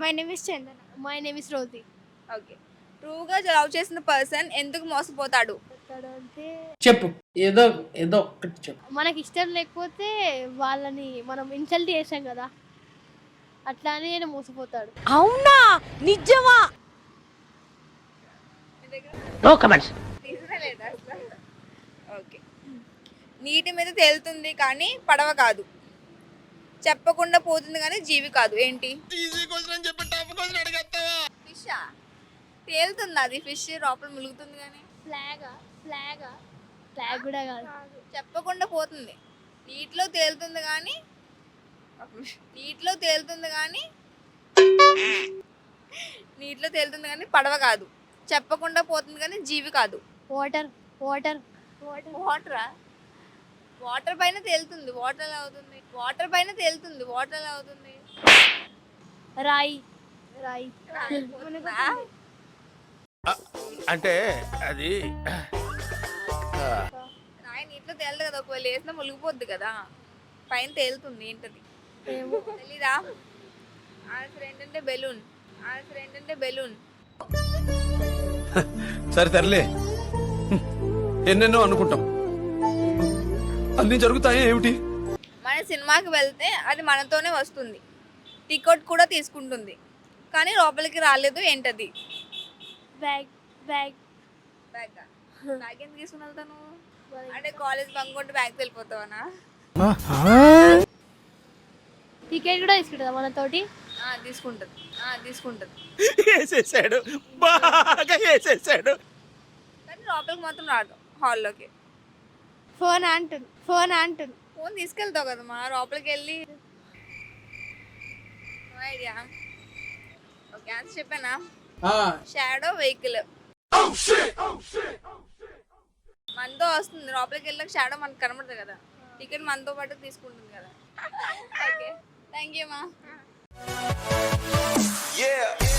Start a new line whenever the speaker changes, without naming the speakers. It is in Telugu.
My name is Chandana. My name is Rosy.
Okay. ట్రూగా లవ్ చేసిన పర్సన్ ఎందుకు మోసపోతాడు?
అంటే
చెప్పు, ఏదో ఏదో ఒక్కటి చెప్పు.
మనకి ఇష్టం లేకపోతే వాళ్ళని మనం ఇన్సల్ట్ చేసాం కదా, అట్లా అని ఆయన మోసపోతాడు.
అవునా నిజమా?
No comments.
నిజమే లేదా అసలు? ఓకే. నీటి మీద తేలుతుంది కానీ పడవ కాదు, చెప్పకుండా పోతుంది కానీ జీవి కాదు. ఏంటి? ఫిషా? తేలుతుంది అది ఫిష్, లోపల ములుగుతుంది కానీ
ఫ్లాగ్ కూడా కాదు.
చెప్పకుండా పోతుంది. నీటిలో తేలుతుంది కానీ నీటిలో తేలుతుంది కానీ పడవ కాదు, చెప్పకుండా పోతుంది కానీ జీవి కాదు.
వాటర్.
వాటరా? వాటర్ పైన తేలుతుంది, వాటర్ ఎలా అవుతుంది? వాటర్ పైన తేలుతుంది, వాటర్ ఎలా అవుతుంది?
రాయి.
పోతుందా?
అంటే అది
రాయి నీటిలో తేలదు కదా, ఒకవేళ వేసినా మునిగిపోద్ది కదా, పైన తేలుతుంది. ఏంటది? తెలీదా? ఆన్సర్ ఏంటంటే బెలూన్.
సరే తరలే, ఎన్నెన్నో అనుకుంటాం, అన్ని జరుగుతాయి ఏమిటి?
మన సినిమాకి వెళ్తే అది మనతోనే వస్తుంది, టికెట్ కూడా తీసుకుంటుంది, కానీ లోపలికి రాలేదు. ఏంటది?
బ్యాగ్.
బ్యాగ్ ఎందుకు తీసుకుని వెళ్తాను? అంటే కాలేజ్ బంక్ కొట్టి బ్యాగ్ వెళ్ళిపోతావనా?
టికెట్ కూడా తీసుకుంటుందా మనతోటి?
తీసుకుంటుంది.
వేసేసాడు, బాగా వేసేసాడు.
కానీ లోపలికి మాత్రం రాదు, హాల్లోకి.
ఫోన్ అంటుంది.
ఫోన్ తీసుకెళ్తావు కదా మా, లోపలికి వెళ్ళి. ఐడియా. ఓకే, ఆన్సర్ చెప్పానా? Shadow vehicle. మనతో వస్తుంది, లోపలికి వెళ్ళాక షాడో మనకు కనబడుతుంది కదా, టికెట్ మనతో పాటు తీసుకుంటుంది కదా. ఓకే, థ్యాంక్ యూ మా.